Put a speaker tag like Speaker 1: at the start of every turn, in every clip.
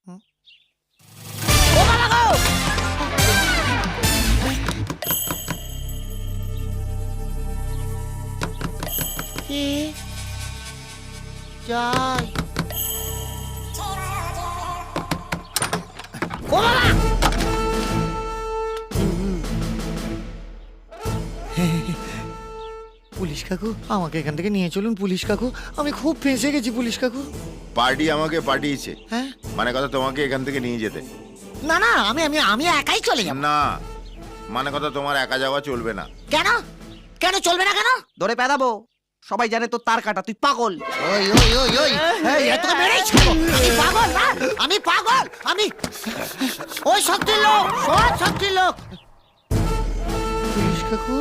Speaker 1: ও বাবা গো! কি যাই ও বাবা! পুলিশ কাকু, আমাকে এখান থেকে নিয়ে চলুন পুলিশ কাকু, আমি খুব ফেঁসে গেছি পুলিশ কাকু।
Speaker 2: পার্টি আমাকে পাঠিয়েছে,
Speaker 1: হ্যাঁ?
Speaker 2: মানে কথা তোমাকে এখান থেকে নিয়ে যেতে।
Speaker 1: না না, আমি আমি আমি একাই চলে যাব।
Speaker 2: না, মানে কথা তোমার একা যাওয়া চলবে না।
Speaker 1: কেন? কেন চলবে না কেন?
Speaker 3: ধরে পেদাবো, সবাই জানে তো তার কাটা, তুই পাগল।
Speaker 1: ওই ওই ওই ওই এই এত মেরেই ছাড়ো। আমি পাগল না, আমি পাগল, আমি ওই শক্তির লোক, সব শক্তির লোক। পুলিশ কাকু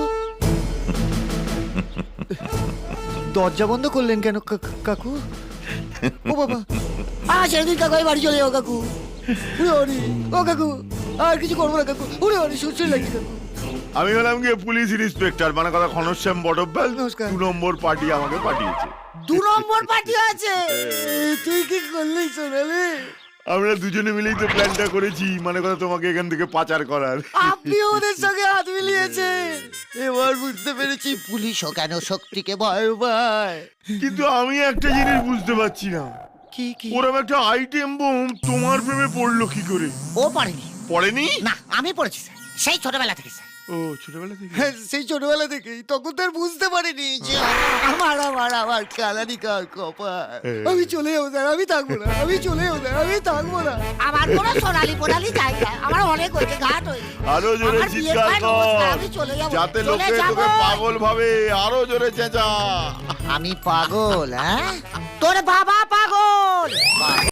Speaker 1: দরজা বন্ধ করলেন কেন কাকু? ও বাবা, সেদিন কাকু আমি বাড়ি চলে যাও কাকু। ওরে ও কাকু, আর কিছু করবো না কাকু। ওরে ওরে সুস্থ লাগছে কাকু।
Speaker 2: আমি হলাম গিয়ে পুলিশ ইন্সপেক্টর, মানে কথা ঘনশ্যাম বটব্যাল।
Speaker 1: নমস্কার।
Speaker 2: 2 নম্বর পার্টি আমাকে পাঠিয়েছে।
Speaker 1: 2 নম্বর পার্টি আছে? তুই কি করলি সোনালি?
Speaker 2: আমরা দুজনে মিলেই তো প্ল্যানটা করেছি, মানে কথা তোমাকে এখান থেকে পাচার করার।
Speaker 1: আপনি ওদের সঙ্গে হাত মিলিয়েছেন। এবার বুঝতে পেরেছি পুলিশও কেন শক্তিকে ভয় পায়।
Speaker 2: কিন্তু আমি একটা জিনিস বুঝতে পারছি না,
Speaker 1: কি কি?
Speaker 2: ওরকম একটা আইটেম বোম তোমার প্রেমে পড়লো কি করে?
Speaker 1: ও পারেনি।
Speaker 2: পড়েনি?
Speaker 1: না, আমি পড়েছি স্যার, সেই ছোটবেলা থেকে স্যার।
Speaker 2: ও ছোটবেলা থেকে?
Speaker 1: সেই ছোটবেলা থেকেই, তখন তো আর বুঝতে পারিনি যে আমার কালানি কার কপাল। আমি চলে যাবো স্যার, আমি থাকবো না, আমি চলে যাবো স্যার, আমি থাকবো না। আমার কোনো সোনালি পোনালি চাই না, আমার অনেক হয়েছে, ঘাট হয়েছে।
Speaker 2: আরো জোরে
Speaker 1: আমার বিয়ের
Speaker 2: চিৎকার
Speaker 1: প্ল্যান অবস্থা,
Speaker 2: কর,
Speaker 1: আমি চলে যাবো,
Speaker 2: যাতে
Speaker 1: চলে
Speaker 2: লোকে
Speaker 1: যাবো।
Speaker 2: তোকে পাগল ভাবে। আরো জোরে চেঁচা।
Speaker 1: আমি পাগল? হ্যাঁ, তোর বাবা পাগল।